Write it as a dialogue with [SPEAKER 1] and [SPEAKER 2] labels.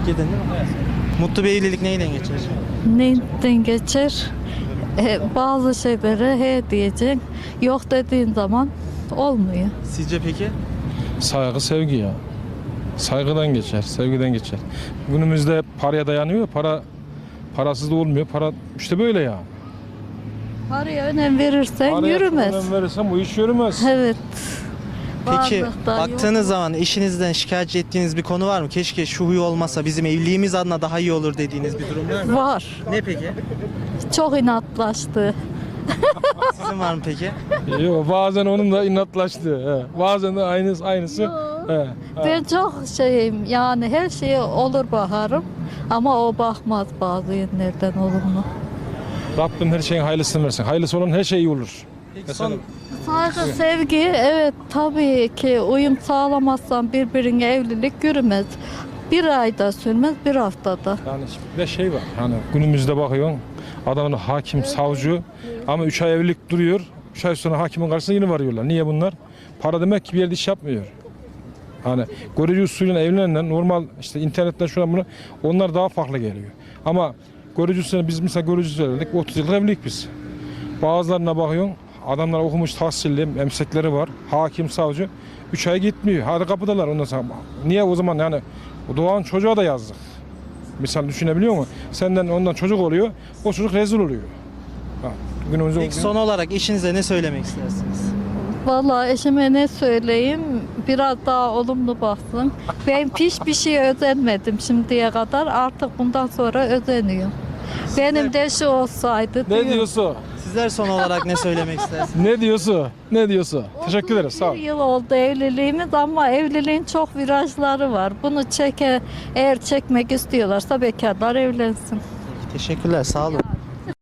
[SPEAKER 1] Girdin değil mi? Evet. Mutlu bir evlilik neyle geçer?
[SPEAKER 2] Neyden geçer? Bazı şeylere he diyeceksin. Yok dediğin zaman olmuyor.
[SPEAKER 1] Sizce peki?
[SPEAKER 3] Saygı, sevgi ya. Saygıdan geçer, sevgiden geçer. Günümüzde paraya dayanıyor. Parasız da olmuyor. Para işte böyle ya.
[SPEAKER 2] Paraya önem verirsen
[SPEAKER 3] Paraya
[SPEAKER 2] yürümez.
[SPEAKER 3] önem verirsen bu iş yürümez.
[SPEAKER 2] Evet.
[SPEAKER 1] Peki
[SPEAKER 2] Varlıkta
[SPEAKER 1] baktığınız
[SPEAKER 2] yok.
[SPEAKER 1] zaman eşinizden şikayetçi ettiğiniz bir konu var mı? Keşke şu huyu olmasa bizim evliliğimiz adına daha iyi olur dediğiniz bir durum var mı?
[SPEAKER 2] Var.
[SPEAKER 1] Ne peki?
[SPEAKER 2] Çok inatlaştı.
[SPEAKER 1] Sizin var mı peki?
[SPEAKER 3] Yok, bazen onun da inatlaştı. He. Bazen de aynısı. He.
[SPEAKER 2] Ben çok şeyim yani her şeye olur bakarım ama o bakmaz bazı yönlerden olumlu.
[SPEAKER 3] Rabbim her şeyin hayırlısını versin. Hayırlısı olan her şey iyi olur.
[SPEAKER 1] Peki son
[SPEAKER 2] Saygı, sevgi evet tabii ki uyum sağlamazsan birbirine evlilik yürümez. Bir ayda sürmez, bir haftada.
[SPEAKER 3] Yani bir de şey var. Hani günümüzde bakıyorsun adamın hakim, savcı ama 3 ay evlilik duruyor. 3 ay sonra hakimin karşısına yine varıyorlar. Niye bunlar? Para demek ki bir yerde iş yapmıyor. Hani görücü usulüyle evlenenler normal işte internetten şuna bunu onlar daha farklı geliyor. Ama görücü usulüyle biz mesela görücü usulüyle 30 yıllık evlilik biz. Bazılarına bakıyorsun adamlar okumuş tahsilli meslekleri var. Hakim, savcı 3 ay gitmiyor. Hadi kapıdalar ondan sonra. Niye o zaman yani o doğan çocuğa da yazdık. Misal düşünebiliyor musun? Senden ondan çocuk oluyor. O çocuk rezil oluyor. Ha, günümüzde
[SPEAKER 1] Peki son olarak eşinize ne söylemek istersiniz?
[SPEAKER 2] Vallahi eşime ne söyleyeyim biraz daha olumlu baksın. Ben hiçbir şeye özenmedim şimdiye kadar artık bundan sonra özeniyorum. Benim de şu olsaydı
[SPEAKER 3] ne
[SPEAKER 2] diyorum.
[SPEAKER 3] diyorsun?
[SPEAKER 1] Sizler son olarak ne söylemek istersiniz?
[SPEAKER 3] Ne diyorsun? Ne diyorsun? Teşekkür ederiz. Sağ ol.
[SPEAKER 2] Bir yıl oldu evliliğimiz ama evliliğin çok virajları var. Bunu eğer çekmek istiyorlarsa bekarlar evlensin.
[SPEAKER 1] Teşekkürler, sağ olun.